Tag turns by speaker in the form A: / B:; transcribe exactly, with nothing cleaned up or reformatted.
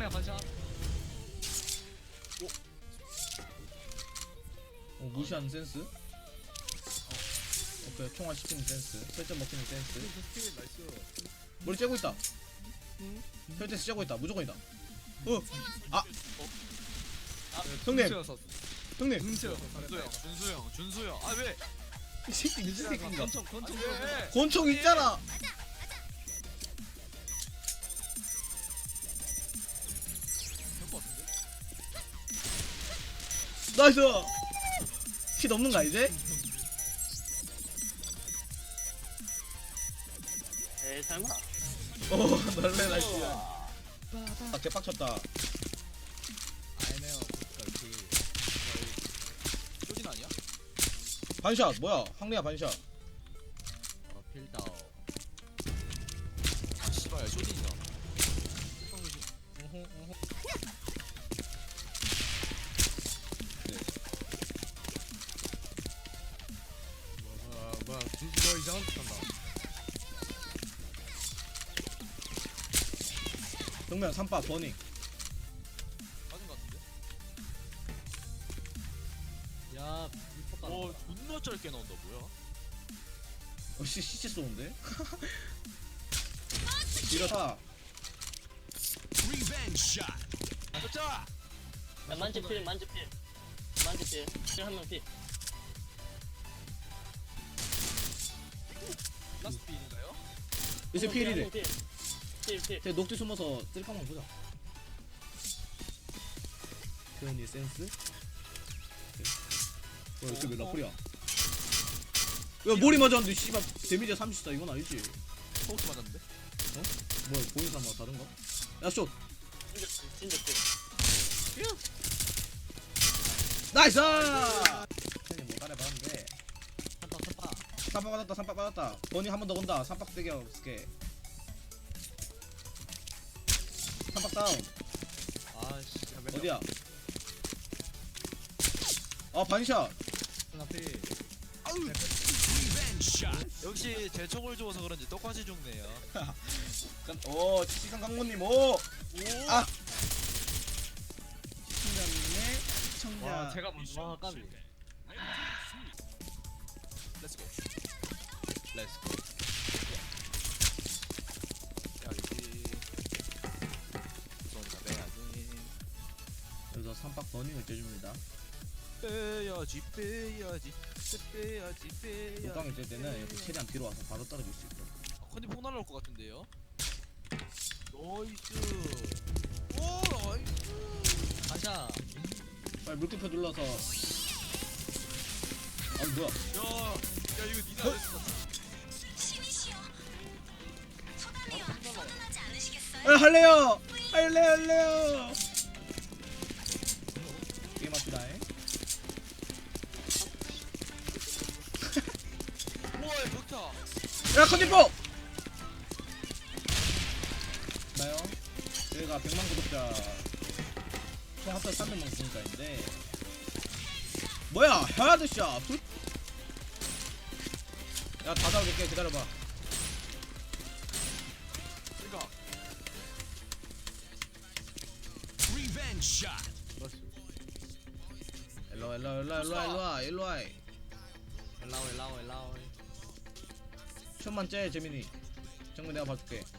A: 반샷 반샷.
B: 어, 무시하는 센스. 어. 오케이, 총알 시키는 센스. 설정 먹히는 센스. 머리 째고 있다. 혈테스 째고 있다. 무조건이다. 어, 아, 형님, 형님.
A: 준수 형, 준수 형, 준수 형. 아 왜?
B: 이 새끼 무슨 새끼인가?
A: 권총, 권총. 왜?
B: 권총 있잖아. 나이스. 피 넘는가 이제?
C: 에이 설마.
B: 오, 놀래 나이스. 아, 개빡쳤다.
A: 아니네요. 그렇지. 쇼진 아니야?
B: 반샷 뭐야? 황리야 반샷.
A: 어 필다오. 아 씨발 쇼진이다. 뭐야 뭐야 준수 너 이상한 짓 한다.
B: 정면 삼바 버닝.
A: 맞은 거 같은데?
D: 야, 미쳤다.
A: 와 존나 짧게 나온다 뭐야?
B: 어씨 시체 쏘는데? 이렇다.
A: 가자!
C: 야, 만지필 만지필 만지필 필 한 명 필.
A: 라스트 필인가요?
B: 요새 피일이래.
C: 필필.
B: 제 녹지 숨어서 찔까만 보자. 표현이 센스? 어, 이렇게 왜 라플이야? 야, 머리 맞았는데 씨발 데미지 삼십사 이건 아니지.
A: 포스 맞았는데?
B: 뭐야, 보인 사람 다른가? 야, 숏.
C: 진짜 진짜 필.
B: 나이스! 형님 뭐 따라해봤는데
D: 삼박 삼박.
B: 삼박 받았다, 삼박 받았다. 버니 한 번 더 온다. 삼박 세개 없을게. 삼박 다운.
D: 아씨.
B: 어디야? 아, 반샷.
D: 하나 필.
A: 역시 제 총을 주워서 그런지 똑같이 죽네요.
B: 오, 시상 강모님, 오!
A: 오!
B: 아! 시청자님의 시청자.
A: 와 제가 먼저
D: 와 까비.
A: 렛츠고 렛츠고 야기 우선 빼야지
B: 여기서 삼박 버닝을 째줍니다.
A: 빼야지 빼야지 빼야지 빼야지
B: 독강이 찔 때는 이렇게 최대한 뒤로 와서 바로 떨어질 수 있고.
A: 컨디 폭 날라올 것 같은데요? 나이스 오 나이스
D: 반샷.
B: 빨리 물음표 눌러서. 아, 뭐야?
A: 야, 야 이거 니나 안 했어
B: 아, 할래요! 할래, 할래요! 게임 합시다잉.
A: 우와 벽타
B: 야, 컨디포! 나요? 저희가 백만 구독자 총 합쳐 삼백만 구독자인데 뭐야, 헤드샷! 굿! 야, 다 잡을게. 기다려봐.
A: 그니까
B: 일로와, 일로와, 일로와, 일로와, 일로와, 일로와.
D: 엘라오 엘라오 엘라오.
B: 천만 째, 재민이. 정말 내가 봐줄게.